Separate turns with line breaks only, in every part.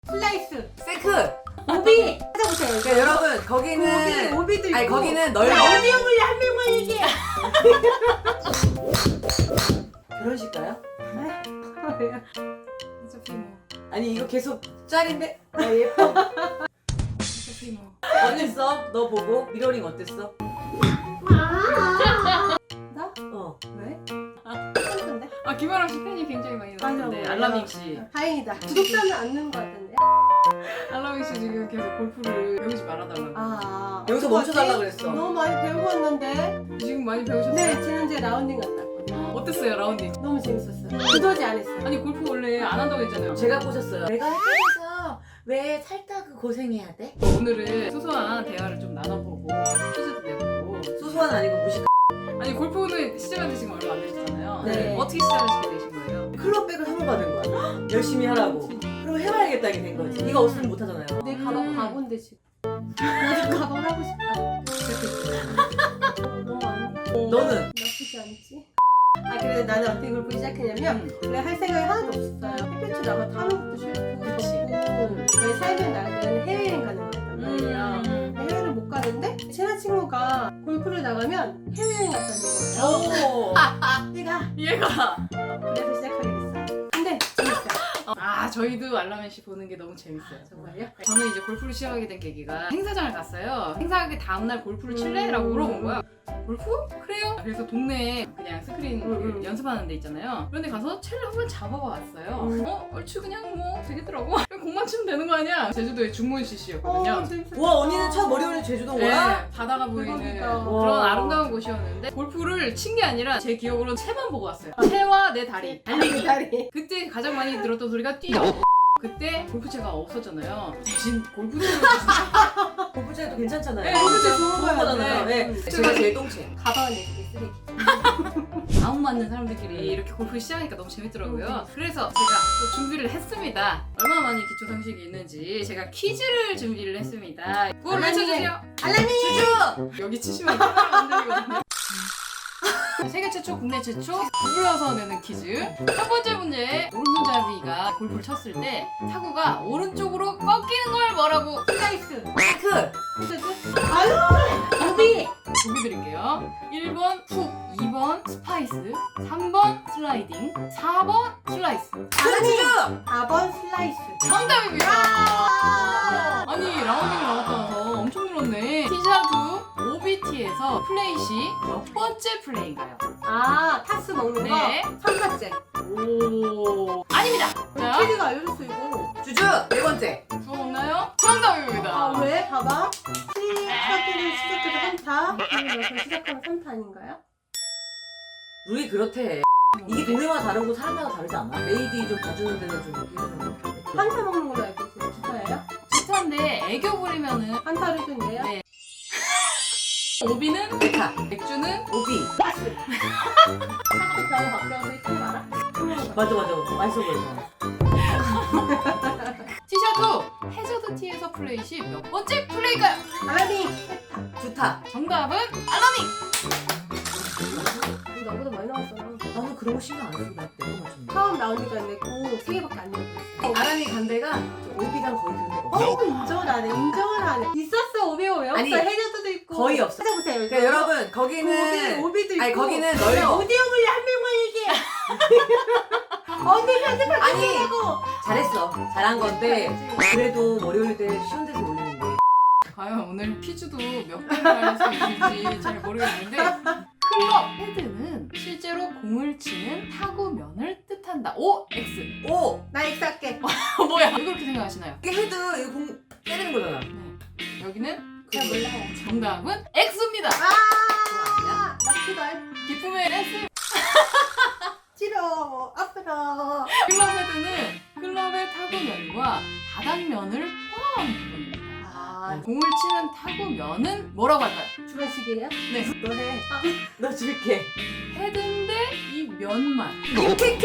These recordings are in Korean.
슬라이스,
세크.
오비 찾아보세요.
그러니까 여러분 거기는
오비도 있고.
아니 거기는 넓어.
어디형을 한 명만 얘기해.
결혼식가요?
어차피 뭐
아니 이거 계속 짤인데?
아 예뻐.
어차피 뭐
어땠어? 너 보고 미러링 어땠어?
나?
어.
왜? 괜찮던데?
아 김아랑 씨 팬이 굉장히 많이 나왔는데
맞아.
알라믹 씨
다행이다. 구독자는 안 넣은 것 같은데.
알라믹 씨 지금 계속 골프를 배우지 말아달라고
아
여기서 멈춰달라 그랬어.
너무 많이 배우고 왔는데.
지금 많이 배우셨어요?
네 지난주에 라운딩 갔다 왔거든요.
어땠어요 라운딩?
너무 재밌었어요. 그도지 안 했어요.
아니 골프 원래 안 한다고 했잖아요.
제가 꼬셨어요. 내가 헷갈려서 왜 살다 그 고생해야 돼?
오늘은 소소한 대화를 좀 나눠보고 퀴즈도 내보고
소소한 아니고 무식.
아니 골프는 시작한 지 지금 얼마 안 되셨잖아요.
네.
어떻게 시작하시게 되신 거예요?
클럽백을 선물받은 거야. 열심히 하라고. 그럼 해봐야겠다 이게 된 거지. 이거 없으면 못 하잖아요.
내 가방 바본데 지금. 나도 가방 하고 싶다. 너무 안 돼.
너는?
나쁘지 않지? 아 그래서 나는 어떻게 골프 시작했냐면 원래 할 생각이 하나도 없었어요. 햇볕에 나가 타는 것도 싫고 덥고 왜 살면 나는 해외여행 가는 거였단 말이에요. 해외를 못 가는데 친한 친구가 골프를 나가면 해외여행 갔다는 거예요.
오.
얘가
얘가
그래서 시작하게 됐어요. 근데 재밌어요.
아 저희도 알라맨 씨 보는 게 너무 재밌어요.
정말요?
저는 이제 골프를 시작하게 된 계기가 행사장을 갔어요. 행사하기 다음날 골프를 칠래? 라고 물어본 거야. 골프? 그래요. 그래서 동네에 그냥 스크린 연습하는 데 있잖아요. 그런 데 가서 채를 한번 잡아봐 왔어요. 얼추 그냥 뭐 되겠더라고. 그냥 공만 치면 되는 거 아니야? 제주도의 중문 CC였거든요.
재밌었어.
와 언니는 첫 머리 올린 제주도인 거야?
네, 바다가 보이는
대박이다.
그런
와.
아름다운 곳이었는데 골프를 친 게 아니라 제 기억으로는 채만 보고 왔어요. 채와 내 다리, 달리기.
다리.
그때 가장 많이 들었던 소리가 뛰어. 그때 골프채가 없었잖아요. 대신 골프채를 주신
골프채도 괜찮잖아요.
네,
골프채
좋은
좋은
거잖아요.
네.
네. 제가 제일 똥채.
가방은 내 그게 쓰레기.
마음 맞는 사람들끼리 이렇게 골프 시작하니까 너무 재밌더라고요. 그래서 제가 또 준비를 했습니다. 얼마나 많이 기초 상식이 있는지 제가 퀴즈를 준비를 했습니다. 그걸 외쳐주세요.
알라미!
주주!
여기 치시면 카메라 만들거든요. 세계 최초, 국내 최초 구부려서 내는 퀴즈. 첫 번째 문제. 오른손잡이가 골프를 쳤을 때 타구가 오른쪽으로 꺾이는 걸 뭐라고?
슬라이스.
세크!
아유! 오비!
보기 드릴게요. 1번 훅, 2번 스파이스, 3번 슬라이딩, 4번 슬라이스.
주주!
4번 슬라이스.
정답입니다. 아니 라운딩을 나갔다 와서 엄청 늘었네. 티샤두 OBT에서 플레이 시 몇 번째 플레이인가요?
아, 타스 먹는 거?
네.
3번째.
오 아닙니다. 자
캐디가 알려줬어, 이거.
주주! 네 번째.
주워 먹나요? 정답입니다.
아, 왜? 봐봐. 시작을 시작해서 한타. 그리고 시작하면 3타 아닌가요?
룰이 그렇대. 이게 동네마다 다르고 사람마다 다르지 않아? 레이디 좀 봐주는 데는 좀 이렇게 해주는 것 같아.
한타 먹는 걸로 알고 있어요. 주타예요?
비슷한데 애교 부리면은
한타를 준대요?
네. 오비는
메카.
맥주는
오비.
타스. 타스 겨우 바뀌어서 이렇게 말아?
맞아 맞아. 맛있어 보여서.
티샤두 해저드 티에서 플레이 시 몇 번째 플레이일까요?
알라미!
주타.
정답은 알라미.
너보다 많이 나왔어.
나는 그런 거 신경 안 쓰고 나 내가 맞췄네.
처음 라운딩 간 데고 3개밖에 안 넣었어.
아람이 간 데가 저 오비랑 거의 그런 데가 없어.
인정을 안 해. 인정을 안 해. 있었어. 오비오 왜 없어?
아니,
해저드도 있고.
거의 없어.
찾아보세요.
그러니까 여러분 거기는
오비도 있고.
아니 거기는 넓어.
오디오물리 한 명만 얘기해. 언니 편집할
아니.
때 하고.
잘했어. 잘한 건데 그래도 머리 올릴 때 쉬운 데서 올리는 게.
과연 오늘 퀴즈도 몇 개를 할 수 있을지 잘 모르겠는데 클럽 헤드는 실제로 공을 치는 타구면을 뜻한다. O, X.
오!
나 X 할게.
뭐야? 왜 그렇게 생각하시나요?
이게 헤드 이거 공 때리는 거잖아.
네. 여기는
잘 몰라요.
정답은 X입니다.
아! 나 키덜.
기쁨의 S.
싫어. 아프다.
클럽 헤드는 클럽의 타구면과 바닥면을 포함한 부분입니다.
아,
공을 치는 타구면은 뭐라고 할까요?
주관식이에요?
네.
너 해.
너 줄게.
헤드인데 이 면만.
임팩트!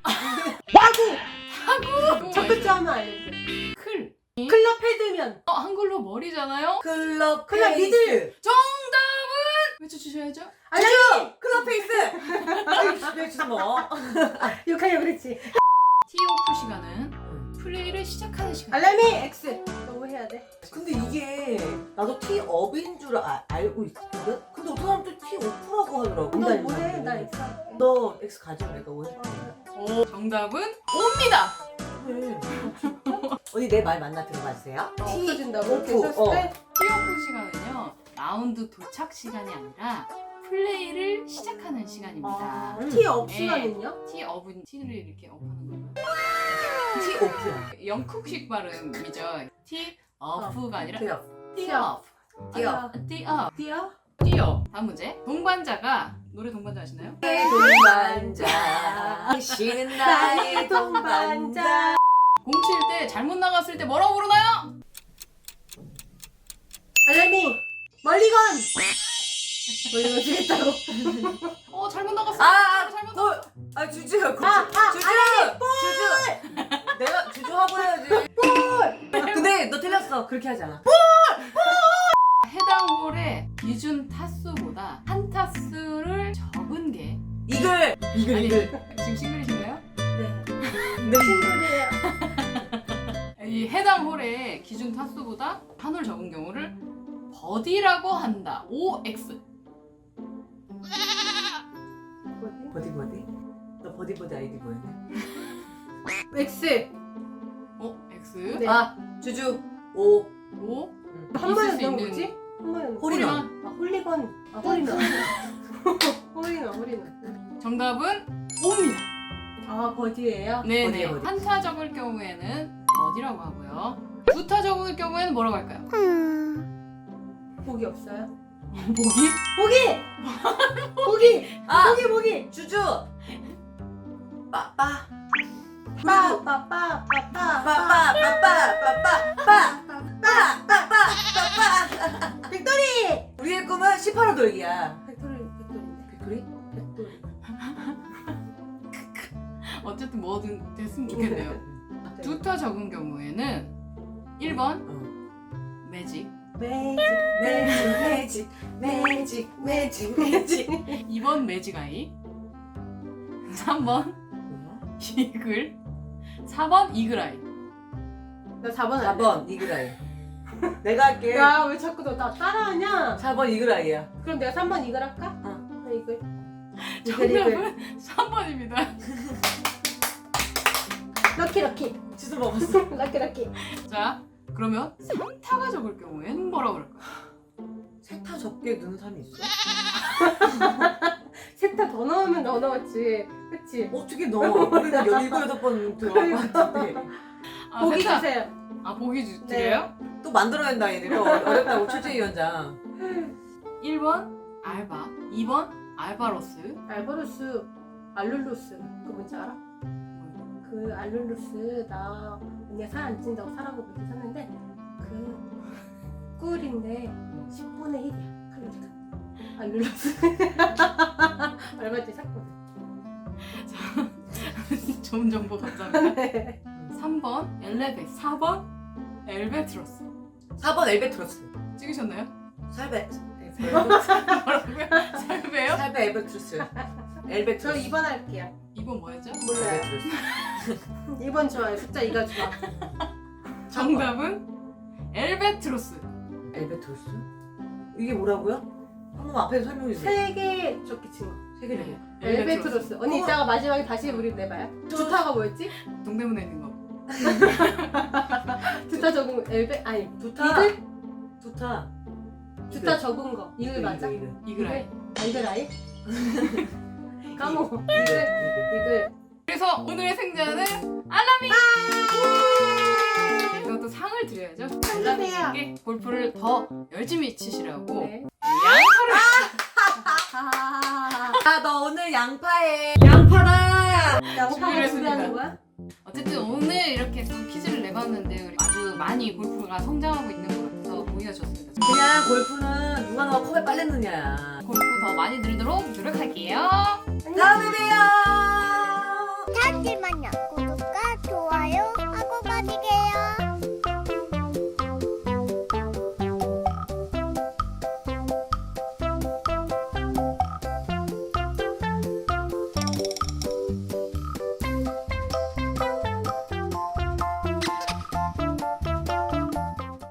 타구!
첫 글자 하면 알려주세요.
클.
클럽 헤드면.
한글로 머리잖아요?
클럽
클럽
페이스.
미들.
정답은 외쳐주셔야죠.
알라미!
클럽 페이스. 아이 왜 주워 먹어?
욕하려고 그랬지.
티오프 시간은 플레이를 시작하는 시간.
알람이 X. 너무 해야 돼.
근데 이게 나도 티업인 줄 알고 있거든? 근데 어떤 사람 또 티오프라고 하더라고.
너 뭐해? 나 X 할게.
너 X 가지면 내가 왜?
오, 정답은 O입니다.
그래. 언니 내 말 맞나 들어봐주세요.
없어진다고?
오프.
이렇게 썼을 때?
티오프 시간은요, 라운드 도착 시간이 아니라 플레이를 시작하는 시간입니다.
티업
네.
시간은요?
티업은 티를 이렇게 업하는 거예요.
티오프야.
영국식 발음이죠. 티업가 아니라
티업.
티업.
티업.
티업.
티어?
티업. 다음 문제. 동반자가 노래 동반자 아시나요?
동반자. 당신은 나의 동반자.
공 칠 때 잘못 나갔을 때 뭐라고 부르나요?
알람이 멀리건. 멀리건 주겠다고.
잘못 나갔어. 잘못
골. 주주. 주주.
알람이
주주. 내가 주주 하고 해야지. 근데 너 틀렸어. 그렇게 하지 않아.
해당 홀의 기준 타수보다 한 타수를 적은 게
이글.
아니,
이글.
지금 싱글이신가요?
네.
네.
친구래요.
이 해당 홀의 기준 타수보다 한 홀 적은 경우를 버디라고 한다. OX.
뭐지?
버디. 너 버디 아이디 뭐였냐?
X.
X.
네.
주주. 오.
O.
한 번에
있을 수
넣은
있는
거지? 한 번에 넣은 거.
홀인원.
홀리건. 홀인원. 홀인원.
정답은 O입니다.
버디예요?
네네.
버디.
한타 적을 경우에는 버디라고 하고요. 두 타 적을 경우에는 뭐라고 할까요?
보기 없어요?
보기?
보기! 보기!
주주. 빠빠.
백돌이!
우리의 꿈은 18호 돌기야.
백돌인데.
백돌이?
백돌이.
어쨌든 뭐든 됐으면 좋겠네요. 두 타 적은 경우에는 1번 매직,
매직.
2번 매직 아이, 3번 이글, 4번 이글 아이.
나 4번 안 돼.
4번 이글아이. 내가 할게.
야, 왜 자꾸 너 나 따라하냐?
4번 이글아이야.
그럼 내가 3번 이글 할까?
어.
나 이글.
정답은 3번입니다.
럭키.
주주 먹었어.
럭키.
자, 그러면 3타가 적을 경우에는 뭐라고 그럴까요?
세타 적게 넣는 사람이 있어?
세타 더 넣으면 더 넣었지. 그치?
어떻게 넣어? 우리는 17번 들어갈 것 같은데.
보기
세타.
주세요.
보기
네.
드려요?
또 만들어낸다 얘네. 어렵다고 최재위원장.
1번 알바, 2번 알바로스,
알바로스, 알룰로스. 그거 뭔지 알아? 그 알룰로스 나 언니가 살 안 찐다고 사라고 그렇게 샀는데 그 꿀인데 10분의 1이야 칼로리가. 알룰로스. 얼마짜리 샀거든.
좋은 정보 감사합니다.
네.
3번 엘레베, 4번 엘베트로스.
4번 엘베트로스.
찍으셨나요?
살베.
뭐라고요? 살베요?
살베 엘베트로스.
저
엘베트로스.
2번 할게요.
2번 뭐였죠?
몰라요.
엘베트로스.
2번 좋아요. 숫자 2가 좋아.
정답은 엘베트로스.
엘베트로스? 이게 뭐라고요? 한 번 앞에서 설명해 주세요.
3개 적기 친 거.
세 개를 해.
엘베트로스. 언니 이따가 마지막에 다시 우리 내봐요. 두타가 뭐였지?
동대문에 있는 거.
두타 적은 엘베 아니
두타.
이글?
두타.
두타 적은 거. 이글 맞아?
이글아이.
이글아이? 까먹어.
이글.
이글.
그래서 오늘의 승자는 알람이. 그래서 또 상을 드려야죠. 알람이께 골프를 더 열심히 치시라고.
네.
너 오늘 양파해. 양파다.
양파를
준비를
준비하는 거야?
어쨌든 오늘 이렇게 또 퀴즈를 내봤는데 우리 아주 많이 골프가 성장하고 있는 것 같아서 보기가 좋습니다.
그냥 골프는 누가 너가 컵에 빨래 넣냐야.
골프 더 많이 들도록 노력할게요.
다음에 봬요.
잠시만요.